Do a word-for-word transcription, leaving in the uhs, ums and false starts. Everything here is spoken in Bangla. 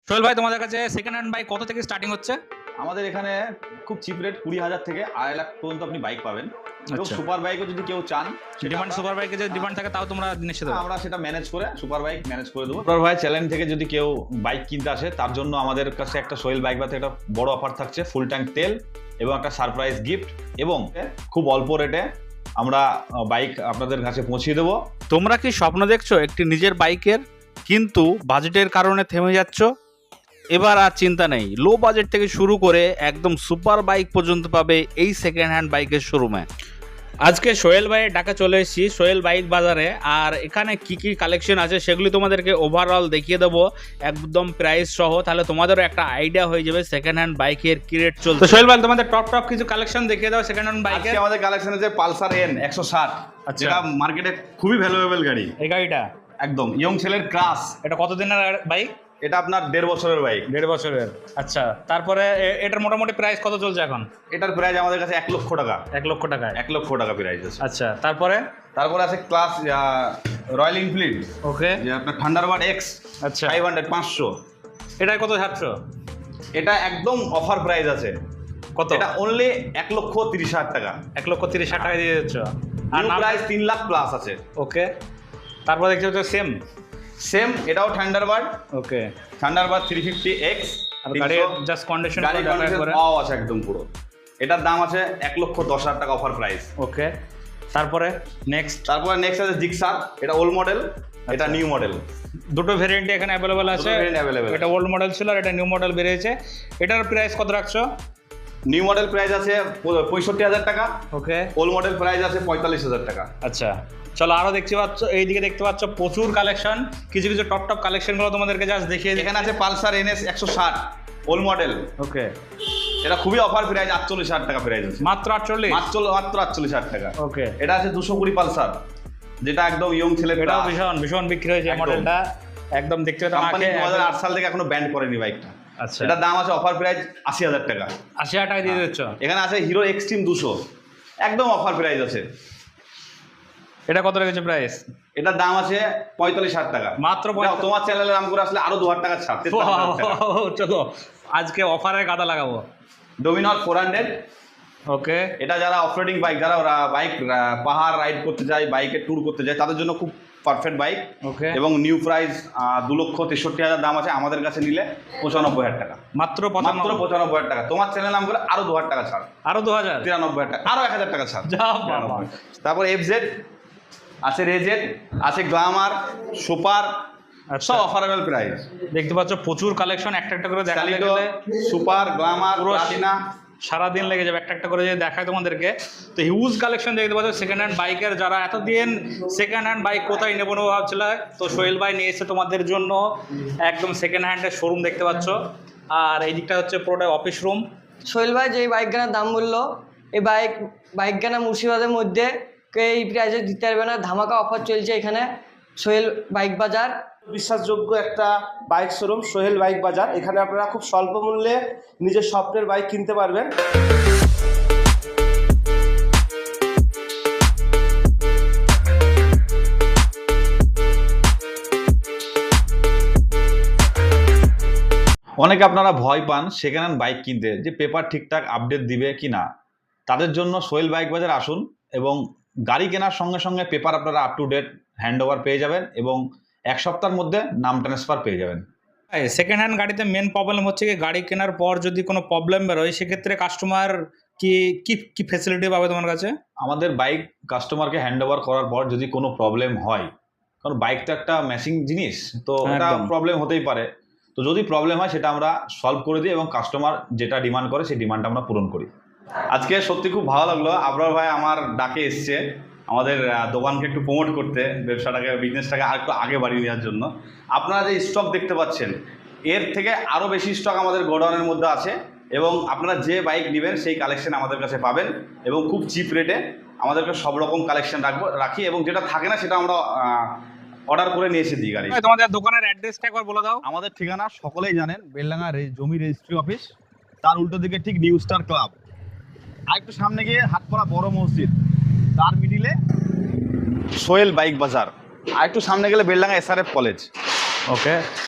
সোহেল ভাই, তোমাদের কাছে সেকেন্ড হ্যান্ড বাইক কত থেকে স্টার্টিং হচ্ছে? আমাদের এখানে খুব চিপ রেট কুড়ি হাজার থেকে আড়াই লাখ পর্যন্ত আপনি বাইক পাবেন। এবং আচ্ছা। সুপার বাইকও যদি কেউ চান, ডিমান্ড সুপার বাইকে যে ডিমান্ড থাকে তাও তোমরা জিনিস দেবো। আমরা সেটা ম্যানেজ করে সুপার বাইক ম্যানেজ করে দেবো। সুপার ভাই চ্যালেঞ্জ থেকে যদি কেউ বাইক কিনতে আসে, তার জন্য আমাদের কাছে একটা সোহেল বাইক বাতে একটা বড় অফার থাকছে, ফুল ট্যাঙ্ক তেল এবং একটা সারপ্রাইজ গিফট, এবং খুব অল্প রেটে আমরা বাইক আপনাদের কাছে পৌঁছে দেবো। তোমরা কি স্বপ্ন দেখছো একটি নিজের বাইকের, কিন্তু বাজেটের কারণে থেমে যাচ্ছ? এবার আর চিন্তা নেই, লো বাজেট থেকে শুরু করে একদম সুপার বাইক পর্যন্ত পাবে এই সেকেন্ড হ্যান্ড বাইকের শোরুমে। আজকে সোহেল ভাইয়ের ডাকা চলে এসেছি সোহেল বাইক বাজারে, আর এখানে কি কি কালেকশন আছে সেগুলি তোমাদেরকে ওভারঅল দেখিয়ে দেবো একদম প্রাইস সহ, তাহলে তোমাদেরও একটা আইডিয়া হয়ে যাবে সেকেন্ড হ্যান্ড বাইকের কি রেট চলছে। তো সোহেল ভাই, তোমাদের টপ টপ কিছু কালেকশন দেখিয়ে দাও সেকেন্ড হ্যান্ড বাইকের। আজকে আমাদের কালেকশন আছে পালসার এন একশো ষাট, আচ্ছা। যেটা মার্কেটে খুবই ভ্যালুয়েবল গাড়ি। এই গাড়িটা একদম ইয়ং ছেলের ক্রাশ। এটা কতদিনের বাইক? এটা আপনার দেড় বছরের বাইক। দেড় বছরের, আচ্ছা। তারপরে এ- এটার মোটামুটি প্রাইস কত চলছে এখন? এটার প্রাইস আমাদের কাছে এক লক্ষ টাকা। এক লক্ষ টাকায়? এক লক্ষ টাকা প্রাইস আছে। আচ্ছা। তারপরে তারপরে আছে ক্লাস রয়্যাল এনফিল্ড, ওকে, যে আপনার থান্ডারবার্ড এক্স আচ্ছা। ফাইভ হান্ড্রেড পাঁচশো। এটাই কত ছাড়ছো? এটা একদম অফার প্রাইস আছে। কত? এটা অনলি এক লক্ষ তিরিশ হাজার টাকা। এক লক্ষ তিরিশ হাজার টাকা দিয়ে দিচ্ছ। আর নিউ নাম? প্রাইস তিন লাখ প্লাস আছে। ওকে। তারপর দেখছি হচ্ছে সেম সেম, এটাও Thunderbird, okay. Thunderbird three fifty X. আর গাড়ির জাস্ট কন্ডিশন গাড়ি কন্ডিশন পাওয়া আছে একদম পুরো। এটার দাম আছে এক লক্ষ দশ হাজার টাকা অফার প্রাইস। ওকে। তারপরে নেক্সট? তারপরে নেক্সট আছে জিক্সার, এটা ওল্ড মডেল, এটা নিউ মডেল। দুটো ভেরিয়েন্ট এখানে অ্যাভেলেবল আছে। variant available এটা ওল্ড মডেল ছিল আর এটা নিউ মডেল বেরিয়েছে। এটার প্রাইস কত রাখছো? নিউ মডেল প্রাইস আছে পঁয়ষট্টি হাজার টাকা, ওকে। ওল্ড মডেল প্রাইস আছে পঁয়তাল্লিশ হাজার টাকা। আচ্ছা, চলো আরো দেখতে পাচ্ছ, এইদিকে দেখতে পাচ্ছ প্রচুর কালেকশন। কিছু কিছু টপ টপ কালেকশনগুলো তোমাদেরকে জাস্ট দেখিয়ে দিই। এখানে আছে পালসার এনএস একশো ষাট ওল্ড মডেল। ওকে। এটা খুবই অফার প্রাইস, আটচল্লিশ হাজার টাকা প্রাইস আছে। মাত্র আটচল্লিশ? মাত্র মাত্র আটচল্লিশ হাজার টাকা। ওকে। এটা আছে দুশো কুড়ি পালসার, যেটা একদম ইয়ং ছেলে। এটাও ভীষণ ভীষণ বিক্রি হয়েছে একদম। মডেলটা, একদম দেখতে পেতাম কোম্পানি আগে। দু হাজার আট সাল থেকে এখনো ব্যান্ড করেনি বাইকটা। আচ্ছা। এটার দাম আছে অফার প্রাইস আশি হাজার টাকা। আশি হাজার টাকা দিয়ে দিচ্ছ? এখানে আছে হিরো এক্সট্রিম দুশো, একদম অফার প্রাইস আছে। এটা কত রেখেছে প্রাইস? এটার দাম আছে পঁয়তাল্লিশ হাজার টাকা। মাত্র যাও, তোমার চ্যানেলের নাম করে আসলে আরো দু হাজার টাকা ছাড়, তেতাল্লিশ হাজার টাকা। চলো আজকে অফারের গাদা লাগাবো। Dominar four hundred, okay. এটা যারা অফরোডিং বাইক, যারা ওরা বাইক পাহাড় রাইড করতে যায়, বাইকে ট্যুর করতে যায়, তাদের জন্য খুব পারফেক্ট বাইক। ওকে। এবং নিউ প্রাইস দু লক্ষ তেষট্টি হাজার দাম আছে, আমাদের কাছে নিলে পঁচানব্বই হাজার টাকা। মাত্র মাত্র পঁচানব্বই? পঁচানব্বই হাজার টাকা। তোমার চ্যানেল নাম করে আরো দু হাজার টাকা ছাড়, আরো দু হাজার? তিরানব্বই হাজার টাকা, আরো এক হাজার টাকা ছাড়। যা বাবা। তারপর এফজেড আছে, রেজেড আছে, গ্লামার, সুপার, আচ্ছা। সব অফারেবল প্রাইস। দেখতে পাচ্ছ প্রচুর কালেকশন, একটা একটা করে দেখাতে স্যালিডো, গেলে সুপার, গ্লামার, পুরো প্লাটিনা, সারাদিন লেগে যাবে একটা একটা করে যদি দেখায় তোমাদেরকে। তো হিউজ কালেকশন দেখতে পাচ্ছ সেকেন্ড হ্যান্ড বাইকের। যারা এতদিন সেকেন্ড হ্যান্ড বাইক কোথায় নেবো নেবো ভাবছিল, তো সোহেল ভাই নিয়ে এসে তোমাদের জন্য একদম সেকেন্ড হ্যান্ডের শোরুম দেখতে পাচ্ছ। আর এই দিকটা হচ্ছে পুরোটা অফিস রুম। সোহেল ভাই যে বাইক গানার দাম বললো, এই বাইক বাইক গানা মুর্শিদাবাদের মধ্যে কেউ এই প্রাইসে দিতে পারবে না। ধামাকা অফার চলছে এখানে সোহেল বাইক বাজার। বিশ্বাসযোগ্য একটা বাইক শোরুম সোহেল বাইক বাজার। এখানে আপনারা খুব স্বল্প মূল্যে নিজের স্বপ্নের বাইক কিনতে পারবেন। অনেকে আপনারা ভয় পান সেকেন্ড হ্যান্ড বাইক কিনতে, যে পেপার ঠিকঠাক আপডেট দিবে কি না। তাদের জন্য সোহেল বাইক বাজার আসুন, এবং গাড়ি কেনার সঙ্গে সঙ্গে পেপার আপনারা up to date hand over পেয়ে যাবেন, এবং এক সপ্তাহের মধ্যে নাম ট্রান্সফার পেয়ে যাবেন। সেকেন্ড হ্যান্ড গাড়িতে মেন প্রবলেম হচ্ছে কি, গাড়ি কেনার পর যদি কোনো প্রবলেম বেরোয় সেক্ষেত্রে কাস্টমার কি কি কি ফ্যাসিলিটি পাবে তোমার কাছে? আমাদের বাইক কাস্টমারকে হ্যান্ড ওভার করার পর যদি কোনো প্রবলেম হয়, কারণ বাইক তো একটা মেশিন জিনিস, তো এটা একদম। প্রবলেম হতেই পারে। তো যদি প্রবলেম হয় সেটা আমরা সলভ করে দিই, এবং কাস্টমার যেটা ডিমান্ড করে সেই ডিমান্ডটা আমরা পূরণ করি। আজকে সত্যি খুব ভালো লাগলো, আবরার ভাই আমার ডাকে এসছে আমাদের আহ, দোকানকে একটু প্রমোট করতে, ব্যবসাটাকে বিজনেসটাকে আর একটু আগে বাড়িয়ে দেওয়ার জন্য। আপনারা যে স্টক দেখতে পাচ্ছেন, এর থেকে আরও বেশি স্টক আমাদের গোডাউনের মধ্যে আছে, এবং আপনারা যে বাইক নেবেন সেই কালেকশন আমাদের কাছে পাবেন, এবং খুব চিপ রেটে আমাদেরকে সব রকম কালেকশন রাখবো রাখি, এবং যেটা থাকে না সেটা আমরা অর্ডার করে নিয়ে এসে দিই গাড়ি। তোমাদের দোকানের অ্যাড্রেসটা একবার বলে দাও। আমাদের ঠিকানা সকলেই জানেন, বেলডাঙ্গা জমি রেজিস্ট্রি অফিস, তার উল্টো দিকে ঠিক নিউ স্টার ক্লাব, আর একটু সামনে গিয়ে হাটপাড়া বড় মসজিদ, তার মিডিলে সোহেল বাইক বাজার, আর একটু সামনে গেলে বেলডাঙ্গা এসআরএফ কলেজ। ওকে।